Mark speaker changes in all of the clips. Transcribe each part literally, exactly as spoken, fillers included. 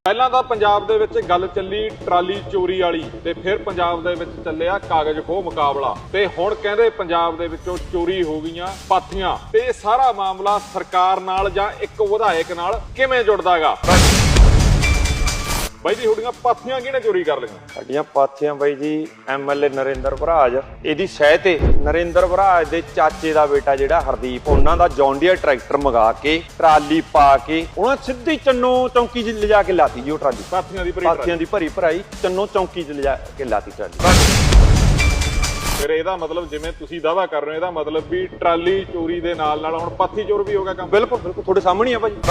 Speaker 1: ਪਹਿਲਾਂ ਤਾਂ ਪੰਜਾਬ ਦੇ ਵਿੱਚ ਗੱਲ ਚੱਲੀ ਟਰਾਲੀ ਚੋਰੀ ਵਾਲੀ ਤੇ ਫਿਰ ਪੰਜਾਬ ਦੇ ਵਿੱਚ ਚੱਲਿਆ ਕਾਗਜ਼ ਖੋਹ ਮੁਕਾਬਲਾ ਤੇ ਹੁਣ ਕਹਿੰਦੇ ਪੰਜਾਬ ਦੇ ਵਿੱਚੋਂ ਚੋਰੀ ਹੋ ਗਈਆਂ ਪਾਥੀਆਂ ਤੇ ਇਹ ਸਾਰਾ ਮਾਮਲਾ ਸਰਕਾਰ ਨਾਲ ਜਾਂ ਇੱਕ ਵਿਧਾਇਕ ਨਾਲ ਕਿਵੇਂ ਜੁੜਦਾਗਾ। ਬਾਈ ਜੀ ਤੁਹਾਡੀਆਂ ਪਾਥੀਆਂ ਕਿਹਨੇ ਚੋਰੀ ਕਰ ਲਈਆਂ?
Speaker 2: ਸਾਡੀਆਂ ਪਾਥੀਆਂ ਬਾਈ ਜੀ ਐਮਐਲਏ ਨਰਿੰਦਰ ਭਰਾਜ ਇਹਦੀ ਸਹਿ ਤੇ ਨਰਿੰਦਰ ਭਰਾਜ ਦੇ ਚਾਚੇ ਦਾ ਬੇਟਾ ਜਿਹੜਾ ਹਰਦੀਪ ਉਹਨਾਂ ਦਾ ਜੌਂਡੀਅਰ ਟਰੈਕਟਰ ਮੰਗਾ ਕੇ ਟਰਾਲੀ ਪਾ ਕੇ ਉਹਨਾਂ ਸਿੱਧੀ ਚੰਨੋ ਚੌਂਕੀ 'ਚ ਲਿਜਾ ਕੇ ਲਾਤੀ ਜੀ ਉਹ ਟਰਾਲੀ
Speaker 1: ਪਾਥੀਆਂ ਦੀ ਭਰੀ
Speaker 2: ਪਾਥੀਆਂ ਦੀ ਭਰੀ ਭਰਾਈ ਚੰਨੋ ਚੌਂਕੀ 'ਚ ਲਿਜਾ ਕੇ ਲਾਤੀ ਟਰਾਲੀ।
Speaker 1: ਫਿਰ ਇਹਦਾ ਮਤਲਬ ਜਿਵੇਂ ਤੁਸੀਂ ਦਾਅਵਾ ਕਰ ਰਹੇ ਹੋ ਇਹਦਾ ਮਤਲਬ ਵੀ ਟਰਾਲੀ ਚੋਰੀ ਦੇ ਨਾਲ ਨਾਲ ਹੁਣ ਪਾਥੀ ਚੋਰ ਵੀ ਹੋ ਗਿਆ ਕੰਮ।
Speaker 2: ਬਿਲਕੁਲ ਬਿਲਕੁਲ ਤੁਹਾਡੇ ਸਾਹਮਣੇ ਆ ਭਾਜੀ।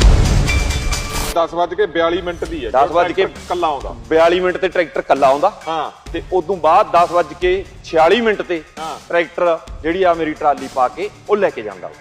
Speaker 1: ਦਸ ਵੱਜ ਕੇ ਬਿਆਲੀ ਮਿੰਟ ਦੀ ਹੈ
Speaker 2: ਦਸ ਵੱਜ ਕੇ
Speaker 1: ਕੱਲਾ ਆਉਂਦਾ
Speaker 2: ਬਿਆਲੀ ਮਿੰਟ ਤੇ ਟਰੈਕਟਰ ਕੱਲਾ ਆਉਂਦਾ
Speaker 1: ਹਾਂ
Speaker 2: ਤੇ ਉਦੋਂ ਬਾਅਦ ਦਸ ਵੱਜ ਕੇ ਛਿਆਲੀ ਮਿੰਟ ਤੇ
Speaker 1: ਹਾਂ
Speaker 2: ਟਰੈਕਟਰ ਜਿਹੜੀ ਆ ਮੇਰੀ ਟਰਾਲੀ ਪਾ ਕੇ ਉਹ ਲੈ ਕੇ ਜਾਂਦਾ।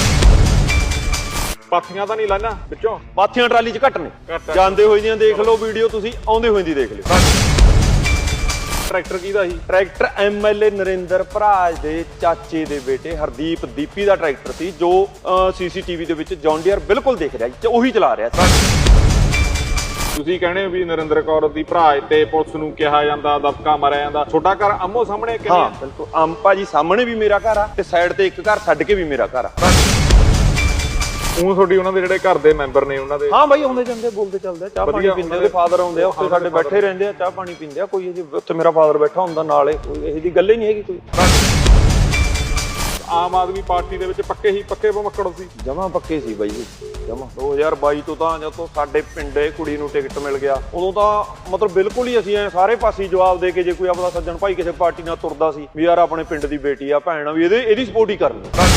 Speaker 1: ਪਾਥੀਆਂ ਤਾਂ ਨਹੀਂ ਲਾਣਾ ਵਿੱਚੋਂ?
Speaker 2: ਪਾਥੀਆਂ ਟਰਾਲੀ 'ਚ ਘੱਟ ਨੇ,
Speaker 1: ਘੱਟ ਆ।
Speaker 2: ਜਾਂਦੇ ਹੋਏ ਦੀਆਂ ਦੇਖ ਲਓ ਵੀਡੀਓ, ਤੁਸੀਂ ਆਉਂਦੇ ਹੋਏ ਦੀ ਦੇਖ ਲਿਓ।
Speaker 1: ਟਰੈਕਟਰ ਕਿਹਦਾ ਸੀ?
Speaker 2: ਟਰੈਕਟਰ ਐਮਐਲਏ ਨਰਿੰਦਰ ਭਰਾਜ ਦੇ ਚਾਚੇ ਦੇ ਬੇਟੇ ਹਰਦੀਪ ਦੀਪੀ ਦਾ ਟਰੈਕਟਰ ਸੀ ਜੋ ਸੀਸੀਟੀਵੀ ਦੇ ਵਿੱਚ ਜੌਂਡੀਅਰ ਬਿਲਕੁਲ ਦਿਖ ਰਿਹਾ ਸੀ, ਉਹੀ ਚਲਾ ਰਿਹਾ ਸੀ।
Speaker 1: ਤੁਸੀਂ ਕਹਿੰਦੇ ਵੀ ਨਰਿੰਦਰ ਕੌਰ ਦੀ ਭਰਾਜ ਤੇ ਪੁਲਿਸ ਨੂੰ ਕਿਹਾ ਜਾਂਦਾ, ਦਬਕਾ ਮਾਰਿਆ ਜਾਂਦਾ। ਛੋਟਾ ਘਰ ਆਮੋ ਸਾਹਮਣੇ ਕਿਵੇਂ?
Speaker 2: ਹਾਂ ਬਿਲਕੁਲ, ਅੰਪਾ ਜੀ ਸਾਹਮਣੇ ਵੀ ਮੇਰਾ ਘਰ ਆ ਤੇ ਸਾਈਡ ਤੇ ਇੱਕ ਘਰ ਛੱਡ ਕੇ ਵੀ ਮੇਰਾ ਘਰ ਆ।
Speaker 1: ਉਹ ਤੁਹਾਡੀ ਉਹਨਾਂ ਦੇ ਜਿਹੜੇ ਘਰ ਦੇ ਮੈਂਬਰ ਨੇ ਉਹਨਾਂ ਦੇ?
Speaker 2: ਹਾਂ ਬਾਈ ਆਉਂਦੇ ਜਾਂਦੇ ਬੋਲਦੇ ਚੱਲਦੇ, ਚਾਹ ਪਾਣੀ ਪੀਂਦੇ, ਉਹਦੇ ਫਾਦਰ ਆਉਂਦੇ ਆ ਉੱਥੇ ਸਾਡੇ ਬੈਠੇ ਰਹਿੰਦੇ ਆ, ਚਾਹ ਪਾਣੀ ਪੀਂਦੇ ਆ। ਕੋਈ ਉੱਥੇ ਮੇਰਾ ਫਾਦਰ ਬੈਠਾ ਹੁੰਦਾ ਨਾਲੇ, ਕੋਈ ਇਹੋ ਜਿਹੀ ਗੱਲ ਹੀ ਨਹੀਂ ਹੈਗੀ ਕੋਈ।
Speaker 1: ਆਮ ਆਦਮੀ ਪਾਰਟੀ ਦੇ ਵਿੱਚ ਪੱਕੇ ਹੀ ਪੱਕੇ ਭਮੱਕੜ ਸੀ?
Speaker 2: ਜਮਾਂ ਪੱਕੇ ਸੀ ਬਾਈ ਜੀ, ਜਮਾਂ। ਦੋ ਹਜ਼ਾਰ ਬਾਈ ਤੋਂ ਤਾਂ ਜਦੋਂ ਸਾਡੇ ਪਿੰਡੇ ਕੁੜੀ ਨੂੰ ਟਿਕਟ ਮਿਲ ਗਿਆ ਉਦੋਂ ਤਾਂ ਮਤਲਬ ਬਿਲਕੁਲ ਹੀ ਅਸੀਂ ਐ ਸਾਰੇ ਪਾਸੇ ਜਵਾਬ ਦੇ ਕੇ, ਜੇ ਕੋਈ ਆਪਣਾ ਸੱਜਣ ਭਾਈ ਕਿਸੇ ਪਾਰਟੀ ਨਾਲ ਤੁਰਦਾ ਸੀ ਵੀ ਯਾਰ ਆਪਣੇ ਪਿੰਡ ਦੀ ਬੇਟੀ ਆ ਭੈਣ ਆ ਵੀ ਇਹਦੇ ਇਹਦੀ ਸਪੋਰਟ ਹੀ ਕਰਨੀ।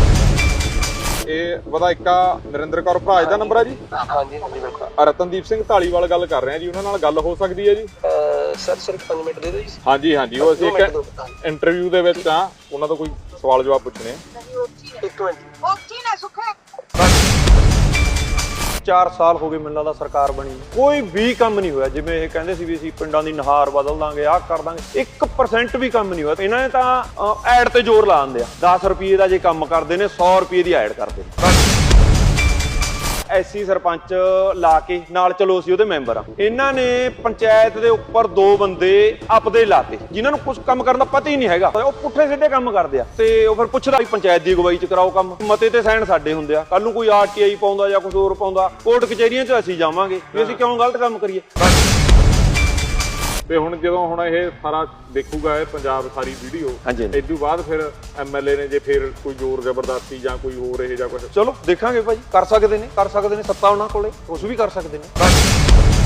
Speaker 1: ਇਹ ਵਿਧਾਇਕਾ ਨਰਿੰਦਰ ਕੌਰ ਭਰਾਜ ਦਾ ਨੰਬਰ ਹੈ ਜੀ?
Speaker 3: ਹਾਂਜੀ ਹਾਂਜੀ ਬਿਲਕੁਲ।
Speaker 1: ਰਤਨਦੀਪ ਸਿੰਘ ਢਾਲੀਵਾਲ ਗੱਲ ਕਰ ਰਹੇ ਆ ਜੀ, ਉਹਨਾਂ ਨਾਲ ਗੱਲ ਹੋ ਸਕਦੀ ਹੈ ਜੀ?
Speaker 3: ਸਰ ਸਿਰਫ ਪੰਜ ਮਿੰਟ ਦੇ ਦਿਓ ਜੀ।
Speaker 1: ਹਾਂਜੀ ਹਾਂਜੀ, ਉਹ ਅਸੀਂ ਇੱਕ ਇੰਟਰਵਿਊ ਦੇ ਵਿੱਚ ਆ, ਉਹਨਾਂ ਤੋਂ ਕੋਈ ਸਵਾਲ ਜਵਾਬ ਪੁੱਛਣੇ ਆ।
Speaker 3: ਇੱਕ ਮਿੰਟ।
Speaker 2: ਚਾਰ ਸਾਲ ਹੋ ਗਏ ਮੈਨੂੰ ਲੱਗਦਾ ਸਰਕਾਰ ਬਣੀ, ਕੋਈ ਵੀ ਕੰਮ ਨਹੀਂ ਹੋਇਆ। ਜਿਵੇਂ ਇਹ ਕਹਿੰਦੇ ਸੀ ਵੀ ਅਸੀਂ ਪਿੰਡਾਂ ਦੀ ਨਹਾਰ ਬਦਲ ਦਾਂਗੇ, ਆਹ ਕਰ ਦਾਂਗੇ, ਇੱਕ ਪਰਸੈਂਟ ਵੀ ਕੰਮ ਨਹੀਂ ਹੋਇਆ। ਇਹਨਾਂ ਨੇ ਤਾਂ ਐਡ ਤੇ ਜ਼ੋਰ ਲਾ ਦਿੰਦੇ ਆ, ਦਸ ਰੁਪਏ ਦਾ ਜੇ ਕੰਮ ਕਰਦੇ ਨੇ ਸੌ ਰੁਪਏ ਦੀ ਐਡ ਕਰਦੇ ਨੇ। ਐਸੀ ਸਰਪੰਚ ਲਾ ਕੇ ਨਾਲ ਚਲੋ ਅਸੀਂ ਉਹਦੇ ਮੈਂਬਰ ਆ। ਇਹਨਾਂ ਨੇ ਪੰਚਾਇਤ ਦੇ ਉੱਪਰ ਦੋ ਬੰਦੇ ਆਪਦੇ ਲਾਤੇ ਜਿਨ੍ਹਾਂ ਨੂੰ ਕੁਝ ਕੰਮ ਕਰਨ ਦਾ ਪਤਾ ਹੀ ਨਹੀਂ ਹੈਗਾ, ਉਹ ਪੁੱਠੇ ਸਿੱਧੇ ਕੰਮ ਕਰਦੇ ਆ ਤੇ ਉਹ ਫਿਰ ਪੁੱਛਦਾ ਵੀ ਪੰਚਾਇਤ ਦੀ ਅਗਵਾਈ ਚ ਕਰਾਓ ਕੰਮ, ਮਤੇ ਤੇ ਸਾਈਨ ਸਾਡੇ ਹੁੰਦੇ ਆ। ਕੱਲ ਨੂੰ ਕੋਈ ਆਰਟੀਆਈ ਪਾਉਂਦਾ ਜਾਂ ਕੁਝ ਹੋਰ ਪਾਉਂਦਾ, ਕੋਰਟ ਕਚਹਿਰੀਆਂ ਚ ਅਸੀਂ ਜਾਵਾਂਗੇ ਵੀ ਅਸੀਂ ਕਿਉਂ ਗਲਤ ਕੰਮ ਕਰੀਏ।
Speaker 1: ਤੇ ਹੁਣ ਜਦੋਂ ਹੁਣ ਇਹ ਸਾਰਾ ਦੇਖੂਗਾ ਇਹ ਪੰਜਾਬ ਸਾਰੀ ਵੀਡੀਓ, ਇਸ ਤੋਂ ਬਾਅਦ ਫਿਰ ਐਮਐਲਏ ਨੇ ਜੇ ਫਿਰ ਕੋਈ ਜ਼ੋਰ ਜ਼ਬਰਦਸਤੀ ਜਾਂ ਕੋਈ ਹੋਰ ਇਹ ਜਾਂ ਕੁਝ,
Speaker 2: ਚਲੋ ਦੇਖਾਂਗੇ ਭਾਜੀ, ਕਰ ਸਕਦੇ ਨੇ ਕਰ ਸਕਦੇ ਨੇ ਸੱਤਾ ਉਹਨਾਂ ਕੋਲੇ, ਕੁਝ ਵੀ ਕਰ ਸਕਦੇ ਨੇ।